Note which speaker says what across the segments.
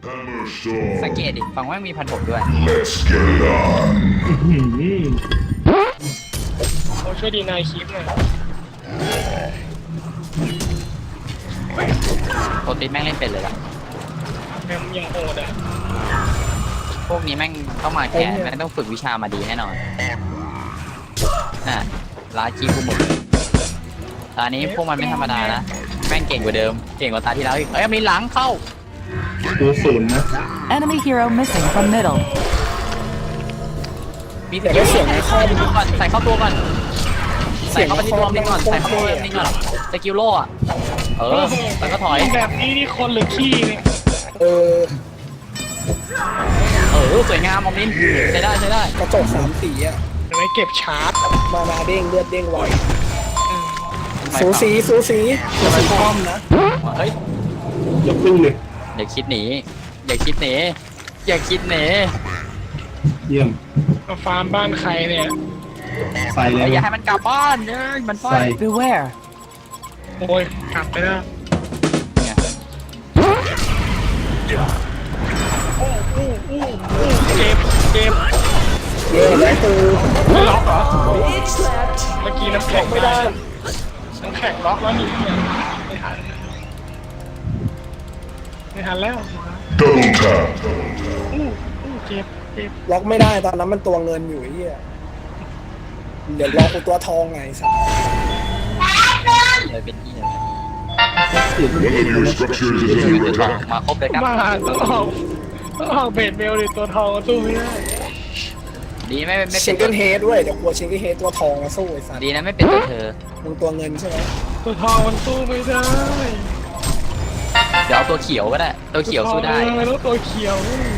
Speaker 1: สังเกตดิฝั่งว่ามีพันหกด้วย
Speaker 2: เขาช่วยดีนายคลิปหน่อย
Speaker 1: โปรตีนแม่งเล่นเป็นเลยล่ะ
Speaker 2: แม่งยังโหดอ่ะ
Speaker 1: พวกนี้แม่งต้องมาแคร์แม่งต้องฝึกวิชามาดีแน่นอนน่ะลาชีพกูหมดตอนนี้พวกมันไม่ธรรมดานะแม่งเก่งกว่าเดิมเก่งกว่าตาที่แล้วอีกเอ้ยมีหลังเข้า
Speaker 3: ดูศูนย์นะ
Speaker 4: Enemy hero missing from middle.
Speaker 1: มีสกิลใส่เข้าตัวก่อนใส่เข้าตัวก่อนใส่เข้าไปที่ตัวนี่ก่อนใส่เข้าตัวนี่ก่อนสกิลโล่อะแล้วก็ถอย
Speaker 2: แบบนี้นี่คนหรือขี้เนี่ย
Speaker 1: สวยงามมอมนินใช้ได้ใช้ได้
Speaker 5: กระจก3 สีอ่ะ
Speaker 2: เดี๋ยวไว้เก็บชาร์จ
Speaker 5: มานาเด้งเลือดเด้งไวสูสีสูสีคอมนะ
Speaker 1: เฮ้ย
Speaker 3: ยกขึ้นเลย
Speaker 1: อย่าคิดหนีอย่าคิดหนีอย่าคิดหนี
Speaker 3: เยี่ยม
Speaker 2: มาฟาร์มบ้านใครเนี่ย
Speaker 3: ใส่เลย
Speaker 1: อย่าให้มันกลับบ้านมันไป
Speaker 3: ใส่
Speaker 4: Beware.
Speaker 2: โอ้ยกลับไปแล้ว
Speaker 1: เนี่ย
Speaker 2: เจ็บเจ็บ
Speaker 5: เย้แล้วตู
Speaker 2: ไม่ล็อกเหรอเมื่อกี้น้ำแข็งไม่ได้น้ำแข็งล็อกแล้วนี่เนี่ยไม่ทันไม่ทันแล้วเจ็บเจ็บ
Speaker 5: ล็อกไม่ได้ตอนนั้นมันตัวเงินอยู่ไอ้เหี้ยเดี๋ยวล็อกตัวทองไงสัส
Speaker 1: เลยเป็นที่
Speaker 3: ติด
Speaker 1: มาครบเลยครับ
Speaker 2: บ้าต้องออกเบดเบลดิตัวทองสู้ไม่ได้
Speaker 1: ดีไม่
Speaker 5: ชิ
Speaker 1: เป็น
Speaker 5: งเกิลเฮดด้วยเดี๋ยวกลัวชิงเกิลเฮดตัวทองมาสู้ไอ้สัส
Speaker 1: ดีนะไม่เป็นตัวเธอ
Speaker 5: มึงตัวเงินใช่ไหม
Speaker 2: ตัวทองมันสู้ไม่ได้
Speaker 1: เดี๋ยวเอาตัวเขียวก็ได้ตัวเขียวสู้ได้
Speaker 2: แล้วตัวเขียว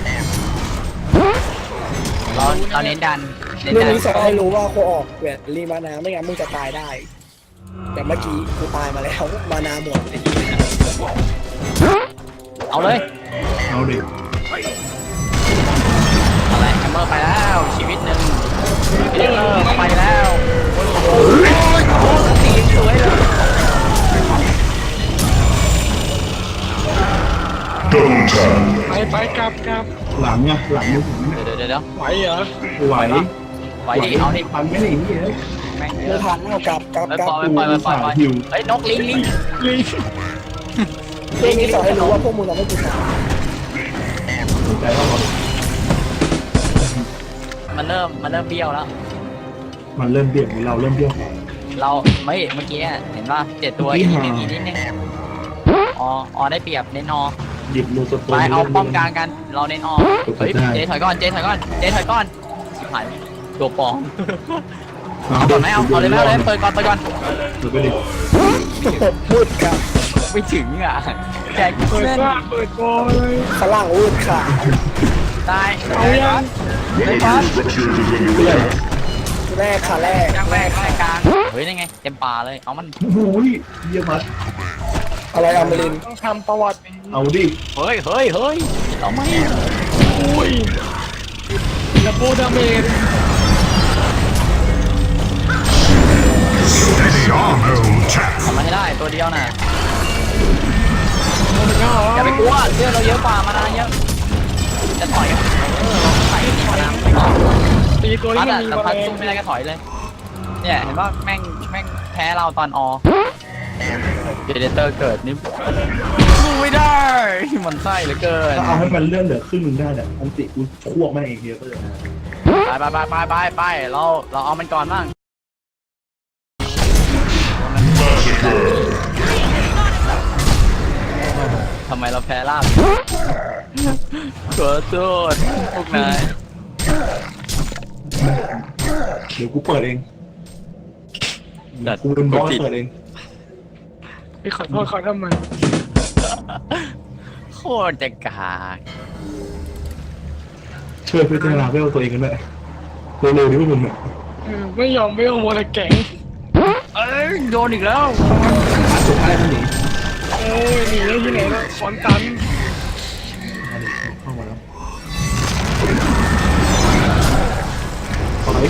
Speaker 1: เราเน้นดันเน้น
Speaker 5: เรื่อง
Speaker 1: ดัน
Speaker 5: นี้สอนให้รู้ว่ากูออกเวทรีมานาไม่งั้นมึงจะตายได้ แต่เมื่อกี้กูตายมาแล้วมานาหมดไอ้เหี้ย
Speaker 1: เอาเลย
Speaker 3: เอาดิ
Speaker 1: อะไรแฮมเมอร์ไปแล้วชีวิตหนึ่งไปแล้วตีสวยเลย
Speaker 2: ไปกลับ
Speaker 3: หลังไงหลังมือผมเนี่ย
Speaker 1: เดี๋ยว
Speaker 2: ไหวเหรอ
Speaker 3: ไหว
Speaker 1: ไหวดิเอาดิ
Speaker 3: ปันไม่ได้อย่างนี้เลย
Speaker 1: แม่ง
Speaker 5: ไม่ทันเอากลับ
Speaker 1: ปล่อยเฮ้ยนกลิง
Speaker 2: ลิง
Speaker 5: เรื่องนี้สอนให้รู้ว่าพวกมึงเราไม่กูตาย
Speaker 3: ใจเรา
Speaker 1: มันเริ่มเบี้ยวแล้ว
Speaker 3: มันเริ่มเบี้ยวเราเริ่มเบี้ยว
Speaker 1: เราไม่เมื่อกี้เห็นว่า7 ตัวอีกนิดนึงอ๋อได้เปรียบเน้นอ
Speaker 3: หยิบมือตัว
Speaker 1: ไปเอาป้อมกลางกันเราเน้นอเฮ้ยเจถอยก่อนชิบหายตัวปองเอาก่อนไหมเอาเลยเปิดก่อน
Speaker 3: เปิดไปดิ
Speaker 5: พูดค่ะ
Speaker 1: ไม่ถึงอ่ะแจก
Speaker 2: เปิด
Speaker 1: เส้น
Speaker 2: ว่าเปิดโกเลย
Speaker 5: ฝรั่งพูดค่ะ
Speaker 1: ได้
Speaker 2: เอายัง
Speaker 1: ได้ปั๊บ
Speaker 5: แรกค่ะแรก
Speaker 1: ย่างแรกกลางเฮ้ยนี่ไงเต็มป่าเลยเอามัน
Speaker 3: โอ้ยเยี่ยมมัด
Speaker 5: อะไรอมริน
Speaker 2: ต้องทำประวัติ
Speaker 3: เอาดิ
Speaker 1: เฮ้ยเอาไหม
Speaker 2: อุ้ยแล้วโบดาเมจ
Speaker 1: ทำมาให้ได้ตัวเดียวน่ะ
Speaker 2: โอ้ย
Speaker 1: อย่าไปกลัวเลือดเราเยอะกว่ามานานเยอะจะถอยใส่นี่มานาน
Speaker 2: ตีตัว
Speaker 1: พั
Speaker 2: นี้
Speaker 1: ด
Speaker 2: มัน
Speaker 1: อ่ะ
Speaker 2: มี
Speaker 1: แต่
Speaker 2: มา
Speaker 1: พัด
Speaker 2: แรง
Speaker 1: สู้ไม่ได้ก็ถอยเลย เนี่ยเห็นว่าแม่งแพ้เราตอนอเดเตอร์เกิดนี่สู้ไม่ได้มันไส้เหลือเกิน
Speaker 3: ถ้าเอาให้มันเลื่อนเหลือครึ่งนึงได้เนี่ยอันติกูควบแม่เองเดียวก็เลย
Speaker 1: ไปเราเอามันก่อนบ้างทำไมเราแพ้ลาบขอโทษพวกนาย
Speaker 3: เดี๋ยวกูเปิดเองกูเป็นบอสเปิดเอง
Speaker 2: พี่ขอโทษเขาทำไม
Speaker 1: โคตรจะกาก
Speaker 3: ช่วยพิจารณาเวลตัวเองกันด้วยเร็วๆดิพวกมึงเนี่ย
Speaker 2: ไม่ยอมโมละแก๊ง
Speaker 1: เอ้ยโดนอีกแล้ว
Speaker 3: สุดท้ายมันหนี
Speaker 2: โอ้ยหนีได้ที่ไหนแล้วฟอนตัน
Speaker 3: เข้ามาแล้วถอย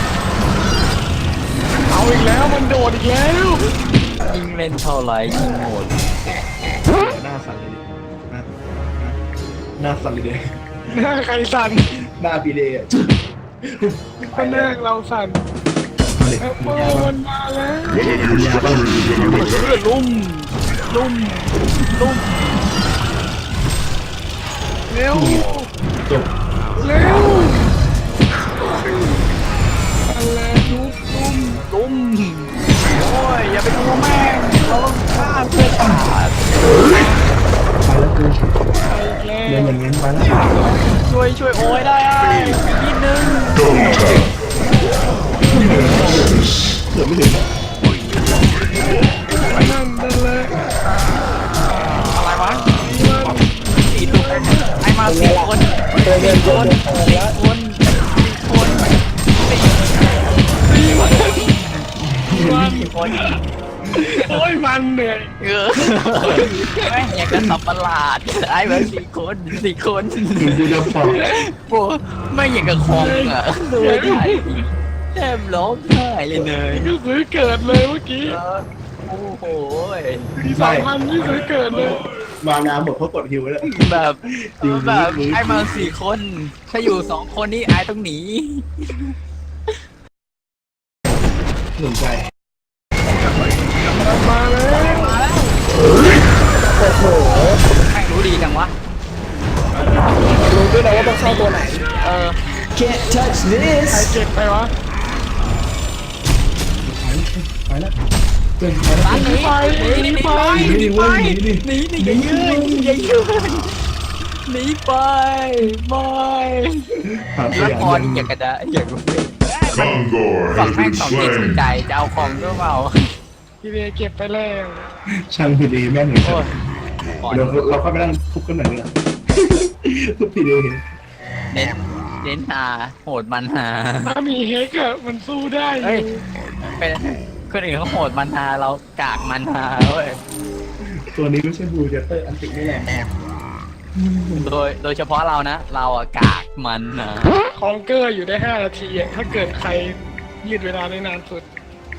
Speaker 2: เอาอีกแล้วมันโดดอีกแล้ว
Speaker 1: ยิงเล่นเท่าไหร่ยิงหมด
Speaker 3: หน้าสั่นเลยดิหน้าสั่นเลย
Speaker 2: หน้าใครสั่น
Speaker 3: หน้าปีเดย์อะ
Speaker 2: ก็หน้าเราสั่น
Speaker 3: เอาเลย
Speaker 2: แอปเปิลมันมาแล้ว
Speaker 3: ยาบ้าง
Speaker 2: ลุ่มลุ่มลุ่มเร็ว
Speaker 3: จบ
Speaker 2: เร็วอะไรลุ่มโอ้ยอย่าไปดูแม่งเราต้องฆ่าเพื่อนขาด
Speaker 3: ไปแล้วกู
Speaker 2: ไปแล้
Speaker 3: เดิน
Speaker 2: ว
Speaker 3: อย่างงั้นไปแล้ว
Speaker 2: ช่วยโอ้ยได้นิดนึง
Speaker 3: เกือบไม่ถึง
Speaker 2: นั่นเลย
Speaker 1: อะไรวะสี่ตัวไอ้มาสี่คน
Speaker 5: ตัวเงินตัวเงินทองแล้ว
Speaker 1: คนสี่คน
Speaker 2: โอ้ยมันเหนื่อย
Speaker 1: แม่งอยากจะสับประหลาดไอ้แบบสี่คนสี่คน
Speaker 3: ถึงกูจะปอก
Speaker 1: โอ้ไม่อยากกับคองอ่ะดูได้แทบร้องไห้เลยเนย
Speaker 2: ก็ซื้อเกิดเลยเมื่อกี้
Speaker 1: โอ้โห
Speaker 2: ที่2,000นี่ซื้อเกิดเลย
Speaker 3: มาน้ำหมดเพราะกดฮิวแล้ว
Speaker 1: แบบแบบไอ้มาสี่คน ถ้าอยู่สองคนนี่ไอ้ต้องหนี
Speaker 3: สนใจ
Speaker 2: มาแล้ว
Speaker 5: โอ้โห
Speaker 1: แม่งรู้ดีจังวะ
Speaker 5: รู้ด้วยนะว่าต้องเข้าตัวไหน
Speaker 4: Can't touch this.
Speaker 2: ใครเก็บไปวะ
Speaker 3: ไปแล้วเกินไปแล้ว
Speaker 1: ร้านหนีหนีไปหนีไปหนีอย่ายืนอย่ายืนหนีไปไม่
Speaker 3: ผ่านไป
Speaker 1: แล้ว
Speaker 3: อย่าง
Speaker 1: พอ
Speaker 3: เดี
Speaker 1: นี่
Speaker 3: ยว
Speaker 1: อยากกระดาอยากรู้
Speaker 6: Kongor
Speaker 1: ฝั่ง
Speaker 6: has
Speaker 1: แม่ง
Speaker 6: been
Speaker 1: สองจิตสน
Speaker 6: slain.
Speaker 1: ใจจะเอาของด้วยเปล่า
Speaker 2: พี่เบเก็บไปแล้ว
Speaker 3: ช่างพีเดย์แม่งหนึ่ง
Speaker 1: โอ้ยก่อน
Speaker 3: เดี๋ยวเราเข้าไปนั่งทุบกันหน่อยเนี่ยทุบพีเดย์เห็น
Speaker 1: เน้นหาโหดมันหา
Speaker 2: ถ้ามีเฮกอะมันสู้ได้อ
Speaker 1: เฮ้ย
Speaker 2: ยู่
Speaker 1: เป็นคนอื่นเขาโหดมันหาเรากากมันหาเว้ย
Speaker 3: ตัวนี้ไม่ใช่บูเจเตอร์อันตินี่แหละ
Speaker 1: โดยเฉพาะเรานะ เราอะกากมันหา
Speaker 2: คองเกอร์อยู่ได้5 นาทีอะถ้าเกิดใครยืดเวลาได้นานสุด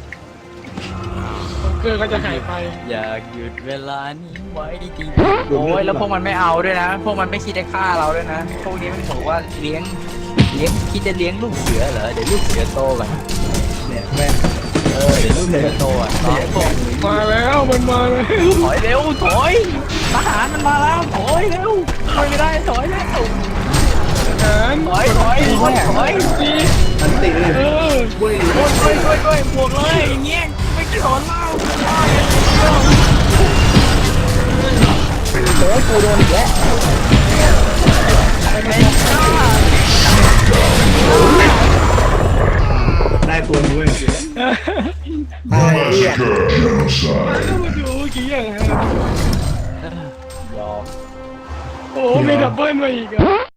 Speaker 2: คองเกอร์ก็จะหายไป
Speaker 1: อยากหยุดเวลานี้ไว้ดีๆโอ้ยแล้วพวกมันไม่เอาด้วยนะ พวกมันไม่คิดจะฆ่าเราด้วยนะ พวกนี้มันบอกว่าเลี้ยงคิดจะเลี้ยงลูกเสือเหรอ เดี๋ยวลูกเสือโตก่อน
Speaker 3: เนี่ยแม่ง
Speaker 1: เดี๋ยวลูกเสือโตอ่ะน้องพวก
Speaker 2: มาแล้วมันมาแล้ว
Speaker 1: ถอยเร็วถอยทหารมันมาแล้วถอยเร็วถอยไม่ได้ถอยแล้ว
Speaker 2: หาร
Speaker 1: ถอยถอยถอยถอย
Speaker 2: ตี
Speaker 3: อันติเลย
Speaker 2: เออ
Speaker 3: เว้ย
Speaker 1: ด้วยบวกเลยอย่างเงี้ยไม่สอนเล่า
Speaker 5: โอ้ยกูโดนอีกแล้ว
Speaker 3: ได้ตัวนี้เว้ย
Speaker 5: ตายเรียบ
Speaker 6: Massacre genocide.
Speaker 2: มาดูเมื่อกี้อย่างนั้น
Speaker 1: ยอม
Speaker 2: โอ้มีดับเบิลมาอีกอะ